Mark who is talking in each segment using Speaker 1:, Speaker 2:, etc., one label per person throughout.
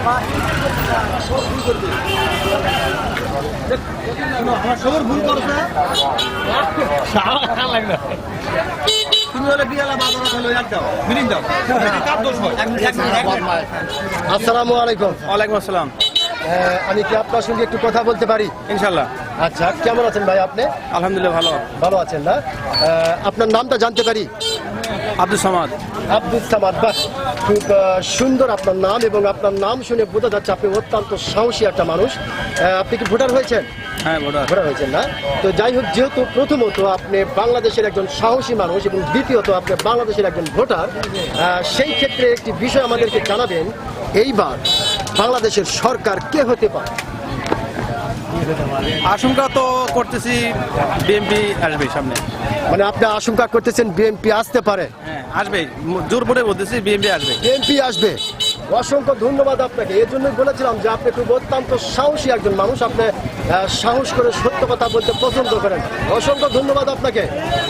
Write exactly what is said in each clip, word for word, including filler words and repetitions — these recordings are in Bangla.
Speaker 1: আমার সবার ভুল করছে তুমি হলে বিয়ালা বাজার হলো এক দাও মিলিং দাও কার দোষ হয়?
Speaker 2: আসসালামু আলাইকুম।
Speaker 1: ওয়ালাইকুম আসসালাম।
Speaker 2: আমি কি আপনার সঙ্গে একটু কথা বলতে পারি?
Speaker 1: ইনশাল্লাহ।
Speaker 2: আচ্ছা, কেমন আছেন ভাই আপনি?
Speaker 1: আলহামদুলিল্লাহ ভালো।
Speaker 2: ভালো আছেন না? আপনার নামটা জানতে পারি?
Speaker 1: আব্দুল সামাদ।
Speaker 2: আব্দুল সামাদ, বাহ, খুব আহ, সুন্দর আপনার নাম, এবং আপনার নাম শুনে বোঝা যাচ্ছে আপনি অত্যন্ত সাহসী একটা মানুষ। আহ, আপনি কি ভোটার হয়েছেন?
Speaker 1: হ্যাঁ ভোটার।
Speaker 2: ভোটার হয়েছেন না? তো যাই হোক, যেহেতু প্রথমত আপনি বাংলাদেশের একজন সাহসী মানুষ এবং দ্বিতীয়ত আপনি বাংলাদেশের একজন ভোটার, আহ, সেই ক্ষেত্রে একটি বিষয় আমাদেরকে জানাবেন, এইবার বাংলাদেশের সরকার কে হতে পারে?
Speaker 1: আশঙ্কা তো করতেছি বিএনপি আসবে সামনে।
Speaker 2: মানে আপনি আশঙ্কা করতেছেন বিএনপি আসতে পারে?
Speaker 1: হ্যাঁ আসবে, জোর করে বলতেছি বিএনপি আসবে।
Speaker 2: বিএনপি আসবে। অসংখ্য ধন্যবাদ আপনাকে। এর জন্যই বলেছিলাম যে আপনি খুব অত্যন্ত সাহসী একজন মানুষ, আপনি আহ, সাহস করে সত্য কথা বলতে পছন্দ করেন। অসংখ্য ধন্যবাদ আপনাকে।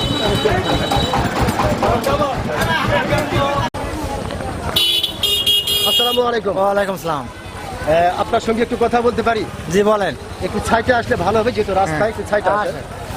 Speaker 2: আসসালামু আলাইকুম।
Speaker 3: ওয়ালাইকুম আসসালাম।
Speaker 2: আহ, আপনার সঙ্গে একটু কথা বলতে পারি?
Speaker 3: জি বলেন।
Speaker 2: একটু ছাইটে আসলে ভালো হবে, যেহেতু রাস্তায় একটু ছাইটে আসে।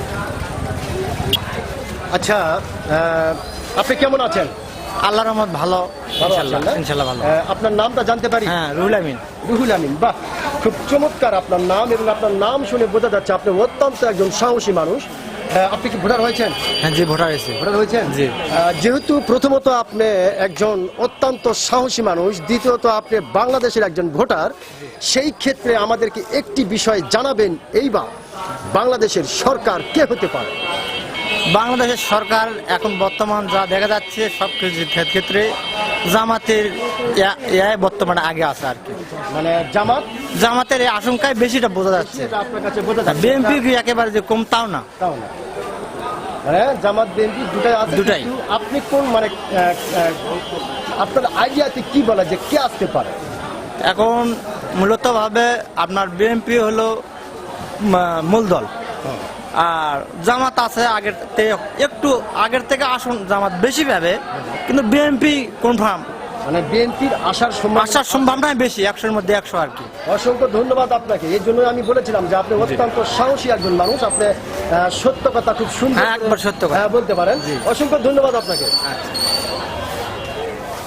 Speaker 2: আচ্ছা, আহ, আপনি কেমন আছেন?
Speaker 3: আল্লাহর রহমত ভালো,
Speaker 2: ভালো
Speaker 3: ইনশাআল্লাহ
Speaker 2: আছেন না?
Speaker 3: ইনশাআল্লাহ ভালো।
Speaker 2: আহ, আপনার নামটা জানতে পারি?
Speaker 3: হ্যাঁ, রুহুল আমিন।
Speaker 2: রুহুল আমিন, বাহ, খুব চমৎকার আপনার নাম, এবং আপনার নাম শুনে বোঝা যাচ্ছে আপনি অত্যন্ত একজন সাহসী মানুষ। আহ, আপনি কি ভোটার হয়েছেন?
Speaker 3: হ্যাঁ জি, ভোটার হয়েছে।
Speaker 2: ভোটার হয়েছেন?
Speaker 3: জি।
Speaker 2: আহ, যেহেতু প্রথমত আপনি একজন অত্যন্ত সাহসী মানুষ, দ্বিতীয়ত আপনি বাংলাদেশের একজন ভোটার, সেই ক্ষেত্রে আমাদেরকে একটি বিষয় জানাবেন, এইবার বাংলাদেশের সরকার কে হতে পারে?
Speaker 3: বাংলাদেশের সরকার এখন বর্তমান যা দেখা যাচ্ছে সব কিছু ক্ষেত্রে জামাতের ইয়া- ইয়ায় বর্তমানে আগে আছে আর কি।
Speaker 2: মানে জামাত?
Speaker 3: জামাতের এই আশঙ্কায় বেশিটা বোঝা যাচ্ছে।
Speaker 2: সেটা আপনার কাছে বোঝা যাচ্ছে।
Speaker 3: বিএনপি কি একেবারে যে কম তাও না।
Speaker 2: তাও না। হ্যাঁ, জামাত বিএনপি দুটাই আছে।
Speaker 3: দুটাই।
Speaker 2: কিন্তু আপনি কোন মানে আহ, আহ, আপনার আইডিয়াতে কি বলা যে কে আসতে পারে?
Speaker 3: এখন মূলত ভাবে আপনার বিএনপি হলো মা- মূল দল, আর জামাত আছে আগের থেকে, একটু আগের থেকে আসন জামাত বেশি পাবে, কিন্তু বিএনপি কনফার্ম
Speaker 2: মানে বিএনপির আসার সম্ভাবনা।
Speaker 3: আসার সম্ভাবনা বেশি, একশোর মধ্যে একশো আর কি।
Speaker 2: অসংখ্য ধন্যবাদ আপনাকে। এই জন্য আমি বলেছিলাম যে আপনি অত্যন্ত সাহসী একজন মানুষ, আপনি আহ, সত্য কথা খুব সুন্দর
Speaker 3: হ্যাঁ, একবার সত্য কথা।
Speaker 2: হ্যাঁ, বলতে পারেন। অসংখ্য ধন্যবাদ আপনাকে।